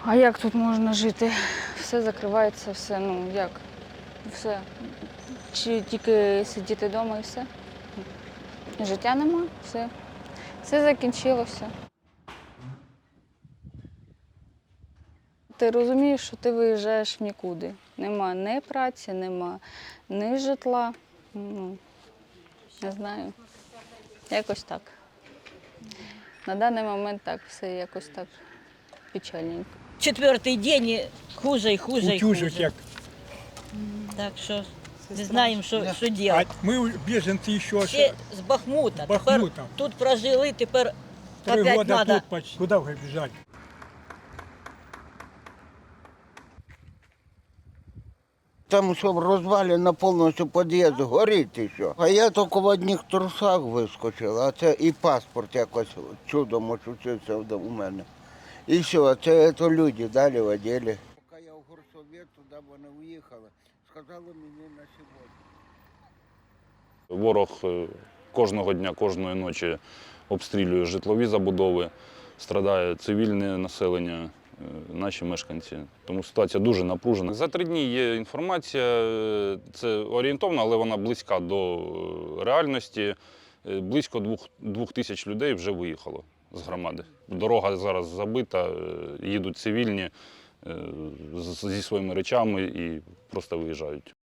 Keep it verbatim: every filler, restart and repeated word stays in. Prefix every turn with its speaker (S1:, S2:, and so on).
S1: А як тут можна жити? Все закривається, все, ну як? Все. Чи тільки сидіти вдома і все? Життя нема, все. Все закінчилося. Ти розумієш, що ти виїжджаєш в нікуди. Нема ні праці, нема ні житла. Ну, не знаю. Якось так. На даний момент так, все якось так печальненько.
S2: Четвертий день хуже і хуже і
S3: Утюжить
S2: хуже.
S3: як.
S2: Так що не знаємо, що, що
S3: А
S2: робити.
S3: ми біженці ще
S2: Ще з Бахмута.
S3: з Бахмута.
S2: Тепер тут прожили, тепер
S3: три
S2: опять
S3: роки
S2: треба.
S3: тут почти. Куди вже біжати?
S4: Там все розвалено повністю під'їзд, горить і все. А я тільки в одних трусах вискочив, а це і паспорт якось чудом очутився у мене. І все, це, це люди далі в оділі. Поки я в горсовет, туди вони уїхали, сказали мені на сьогодні.
S5: Ворог е, кожного дня, кожної ночі обстрілює житлові забудови, страдає цивільне населення, е, наші мешканці. Тому ситуація дуже напружена. За три дні є інформація, е, це орієнтовна, але вона близька до е, реальності. Е, Близько двох, двох тисяч людей вже виїхало з громади. Дорога зараз забита, е, їдуть цивільні е, з- зі своїми речами і просто виїжджають.